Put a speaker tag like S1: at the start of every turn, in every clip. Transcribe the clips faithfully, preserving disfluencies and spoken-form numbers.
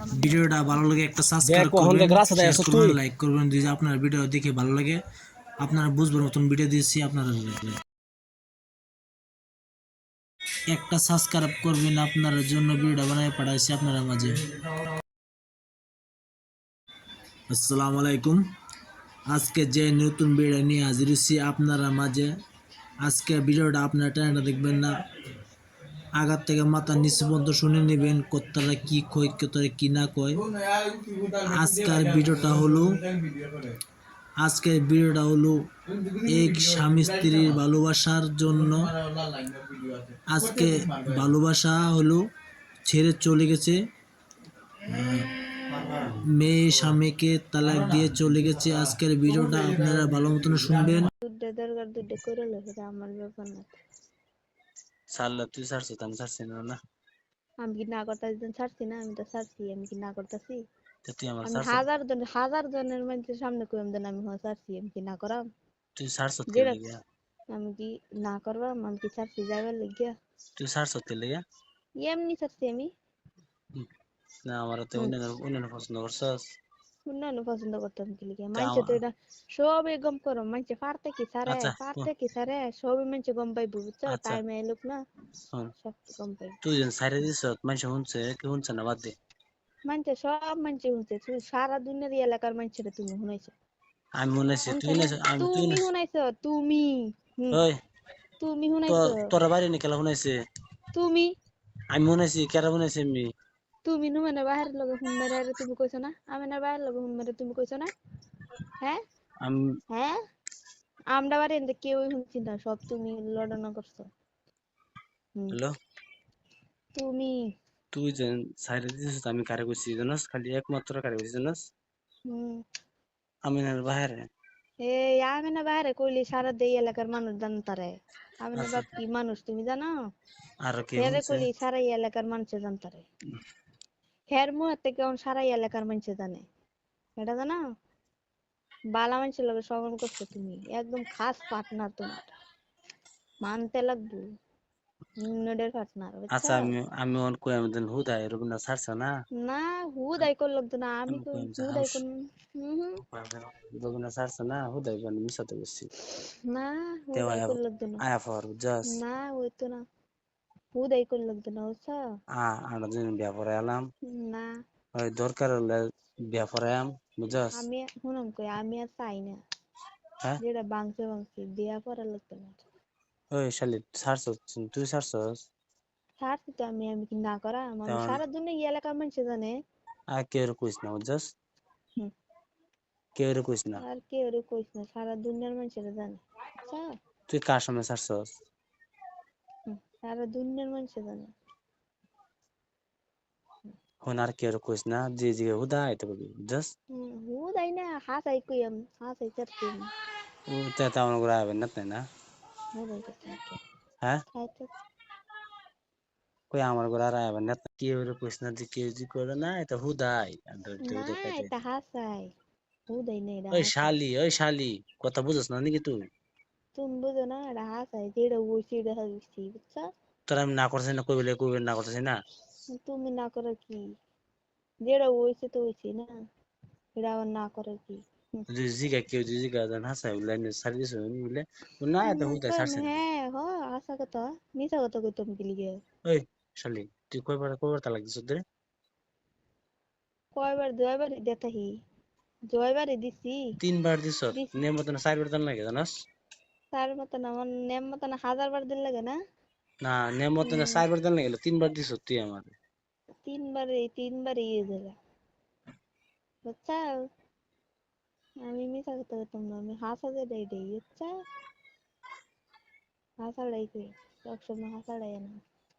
S1: ভিডিওটা ভালো লাগে একটা সাবস্ক্রাইব
S2: দেখো হন
S1: করবেন,
S2: দেখ রাস্তা
S1: শেয়ার
S2: আছো
S1: করবেন,
S2: তুই
S1: লাইক করবেন। যদি আপনার ভিডিও দেখে ভালো লাগে, আপনারা বুঝবেন নতুন ভিডিও দিয়েছি আপনারা। একটা সাবস্ক্রাইব করবেন, আপনার জন্য ভিডিও বানায় পাঠাইছি আপনারা মাঝে। আসসালামু আলাইকুম। আজকে যে নতুন ভিডিও নিয়ে হাজির হয়েছি আপনারা মাঝে। আজকে ভিডিওটা আপনারা টাইমটা দেখবেন না, আগার থেকে মাথার নিচে পর্যন্ত শুনে নেবেন কতটা কি কয় কতটা কি না কয়। আজকের ভিডিওটা হলো আজকের ভিডিওটা হলো এক স্বামী স্ত্রীর ভালোবাসার জন্য। আজকে ভালোবাসা হলো ছেড়ে চলে গেছে, মেয়ে স্বামীকে তালাক দিয়ে চলে গেছে। আজকের ভিডিওটা আপনারা ভালো মতন শুনবেন।
S3: দুধে দরকার দুধে করে লো সেটা আমার ব্যাপার না।
S2: সাল্লা তুই ছাড়ছো আমি ছাড়ছি না না
S3: আমি কি না করতেছি ছাড়ছি না? আমি তো ছাড়ছি। আমি কি না করতেছি?
S2: তো তুই আমার
S3: আমি
S2: ছাড়ছো
S3: হাজার জন হাজার জনের মানুষের সামনে কইম দেন আমি হ্যাঁ ছাড়ছি। আমি কি না করাম?
S2: তুই ছাড়ছো কে
S3: যেটা
S2: লিগা
S3: আমি কি না করবাম? আমি কি ছাড়ছি যাইবার লাগিয়া?
S2: তুই ছাড়ছো কে লিগা
S3: এমনি ছাড়ছি আমি।
S2: না আমার তো
S3: হুম,
S2: অন্য অন্য পছন্দ করছস
S3: অন্যান্য পছন্দ করতাম কি লিগা?
S2: তা
S3: মানছে তো এটা সবই গম করো। মানছে পারতে কি সারে
S2: আচ্ছা হুম,
S3: পারতে কি সারে সবই মানছে গম পাইবো বুঝছো?
S2: আচ্ছা
S3: টাইমে এলুক না
S2: হুম
S3: সব গম পাইবো।
S2: তুই যেন ছাইরে দিছ মানুষ শুনছে কি শুনছে না বাদ দে
S3: মানছে সব মানছে শুনছে। তুই সারা দুনিয়ার এই এলাকার মানছে তুমি শুনাইছো।
S2: আমি মনে আছি তুই
S3: শুনছে
S2: না
S3: না?
S2: আমি তুই
S3: তুমি
S2: না
S3: শুনাইছো তুমি। হুম,
S2: ওই
S3: তুমি
S2: তো
S3: শুনাইছো।
S2: তোরা বাইরে নিয়ে খেলা শুনাইছে
S3: তুমি
S2: আমি মনে আছি কেরা শুনাইছে আমি
S3: তুমি নুমানে বাহিরের লগে হুন মেরে আরে তুমি কইছো না? আমি না বাহিরের লগে হুন মেরে তুমি কইছো না? হ্যাঁ?
S2: আমি
S3: হ্যাঁ? আমরা বাড়ি এনতে কেউই শুনছি না। সব তুমি লড়ানো করছো। হুম,
S2: হ্যালো
S3: তুমি
S2: তুই যেন ছাইরে দিছিস আমি কারে কইছি জানাস খালি একমাত্র কারে কইছি জানাস
S3: হুম,
S2: আমি না বাইরে
S3: এই আমি না বাহিরে কইলি সারা দেই এলাকার মানুষ জানতারে। আমি না
S2: আচ্ছা
S3: বাপ কি মানুষ তুমি জানো?
S2: আর কে
S3: হেরে
S2: শুনছে
S3: কইলি সারা এই এলাকার মানুষ জানতারে। হের মুহের থেকে অন সারা এই এলাকার মানুষ জানে। এটা জানো? বালা মানুষের লগে শ্রবণ করছো তুমি। একদম খাস পার্টনার তোমার। মানতে লাগবো। নডের পার্টনার
S2: আচ্ছা
S3: বুঝছো?
S2: আমি আমি অন কই আমি দেন হুদা এরকম না ছাড়ছ না
S3: না হুদাই করলো তো না আমি
S2: আমি কই
S3: কই
S2: আমি
S3: হুদাই
S2: হাউস
S3: কোন হুম হুম
S2: এরকম না ছাড়ছ না হুদাই আমি মিশাতে বসছি
S3: না
S2: তেও
S3: হুদাই
S2: আয়া
S3: করলো তো না।
S2: আয়া ফর জাস
S3: না ওই তো না হুদাই করলো তো না বুঝছো?
S2: আ আমরা দিন বিয়া পরে এলাম
S3: না
S2: ওই দরকার হলে বিয়া পরে আম বুঝাস
S3: আমি শুনুন কই আমি আর চাই না।
S2: হ্যাঁ
S3: যেটা বাংছে বাংছে বিয়া করার লাগতো না।
S2: ওই শালি ছাড়ছ তুই ছাড়ছস
S3: ছাড়ছি তো আমি আমি কি না করা আমি
S2: তেমন
S3: সারা দুনিয়া এই এলাকার মানুষ জানে।
S2: আর কেউ কইস না বুঝাস
S3: হুম,
S2: কেউ কইস না
S3: আর কেউ রে কইস না সারা দুনিয়ার মানুষেরা জানে বুঝছো?
S2: তুই কার সামনে ছাড়ছস
S3: হুম, সারা দুনিয়ার মানুষ জানে।
S2: হন আর কেউ কইস না যে যে হুদা আইতে বলবি বুঝাস
S3: হুম, হুদাই না হাসাই কই আমি হাসাই চাচ্ছি আমি
S2: ও তে তেমন করে আইবেন না তাই না
S3: হুদাই চাচ্ছি কে
S2: হ্যাঁ
S3: খাইতে
S2: কই আমার ঘরে আর আইবেন না কেউ কইস না যে কেউ জি করে না এটা হুদাই
S3: না
S2: হুদাই খাইতে
S3: এটা হাসাই হুদাই না এটা
S2: ওই
S3: হাসাই
S2: শালি ওই শালি কথা বুঝছ না নাকি তুই
S3: তুমি বুঝো না এটা হাসাই যেটা বলছি এটা হাসছি বুঝছো?
S2: তোর আমি না করতেছি না কই বলে কই না করতেছি না
S3: তুমি না করে কি যেটা হইছে তো হইছে না এটা আবার না করে কি হুম,
S2: যদি জিগা কেউ যদি জিগা জান হাসাই বলে সার্ভিস বলে না এটা
S3: হুম,
S2: হুদাই
S3: কই
S2: ছাড়ছে না
S3: হ্যাঁ হ আসা কথা মিছা কথা কই তুমি কি লিগে
S2: ওই শালি তুই কয়বার কয়বার তালাক দিছ রে
S3: কয়বার দুইবার দেখাহি জয়বারে দিছি
S2: তিনবার দিছ
S3: দিস
S2: নে মত না চারবার দান লাগে জানাস
S3: তার মতন আমার নেম মতন হাজার বার দিন লাগে না।
S2: না নে মত না
S3: হুম,
S2: চারবার দান লাগে তিনবার দিছ তুই আমার
S3: তিনবারে তিনবারে ইয়ে দিলা বুঝছো? আমি মিছা কথা কইতাম না আমি হাসা যেটা এটাই বুঝছো? হাসাটাই কই সবসময় হাসাটাই না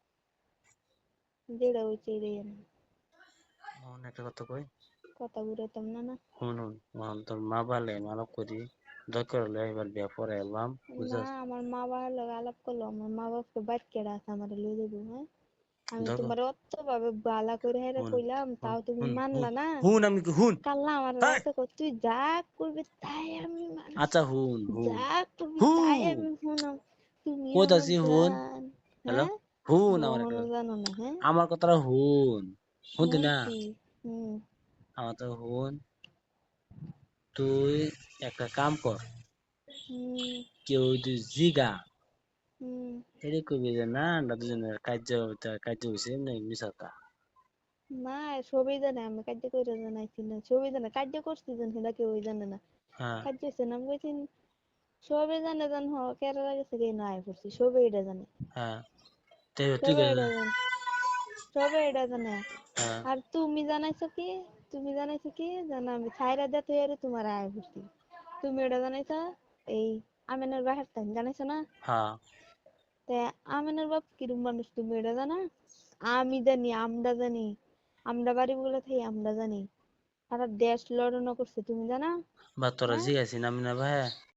S3: যেটা হইছে এটাই না
S2: মন একটা কথা কই
S3: কথা ঘুরাইতাম না না
S2: হুন হুন মন তোর মা বালে মানব করি দরকার হলে এবার বিয়া পরে এলাম
S3: না
S2: বুঝাস
S3: আমার মা বাবার লগে আলাপ করলো আমার মা বাপকে বাইর কেডা আছে আমার লই দেবো হ্যাঁ আমি
S2: দরকার
S3: তোমার অত ভাবে বালা করে হেরে
S2: হুন
S3: কইলাম
S2: হুন
S3: তাও তুমি
S2: হুন হুন
S3: মানলা না।
S2: হুন আমি কি হুন
S3: কাল্লা আমার
S2: হাই
S3: রাস্তা কর তুই যা করবি তাই আমি মানব
S2: আচ্ছা হুন হুন
S3: যা করবি তাই
S2: হুন
S3: আমি শুনাম তুমি আমার
S2: কইতাছি হুন
S3: জান
S2: হ্যালো
S3: হ্যাঁ
S2: হুন আমার একটা
S3: কখনো জানো না হ্যাঁ
S2: আমার কথাটা হুন শুনতি না
S3: শুনছি হুম
S2: আমার তো হুন তুই একটা কাম কর
S3: হুম
S2: কেউ তুই জিগা
S3: হুম
S2: এটা কবি যে না আমরা দুজনের কার্য কার্য হয়েছে এমনি মিশাতা
S3: না সবই জানে আমি কার্য করে জানাইছি না সবই জানে কার্য করছি জান সেটা কেউ জানে না
S2: হ্যাঁ
S3: কার্য হচ্ছে না আমি কইছি সবই জানে জান হ কেরালা গেছে কে না পড়ছি সবই এটা জানে
S2: হ্যাঁ তো তুই
S3: সবই এটা জানে সবই এটা জানে
S2: হ্যাঁ
S3: আর তুমি জানাইছো কি তুমি জানাইছো কি জানা আমি ছাইরা দে তুই আরে তোমার আয় পড়ছি তুমি এটা জানাইছো এই আমিনের বাহার টাইম জানাইছো না
S2: হ্যাঁ
S3: তা আমিনের বাপ কিরম মানুষ তুমি এটা জানা আমি জানি আমরা জানি আমরা বাড়ি বলে থাকি আমরা জানি সারা দেশ লড়ানো করছে তুমি জানা
S2: বা তোরা
S3: হ্যাঁ
S2: জিগাইছি না মিনা ভাই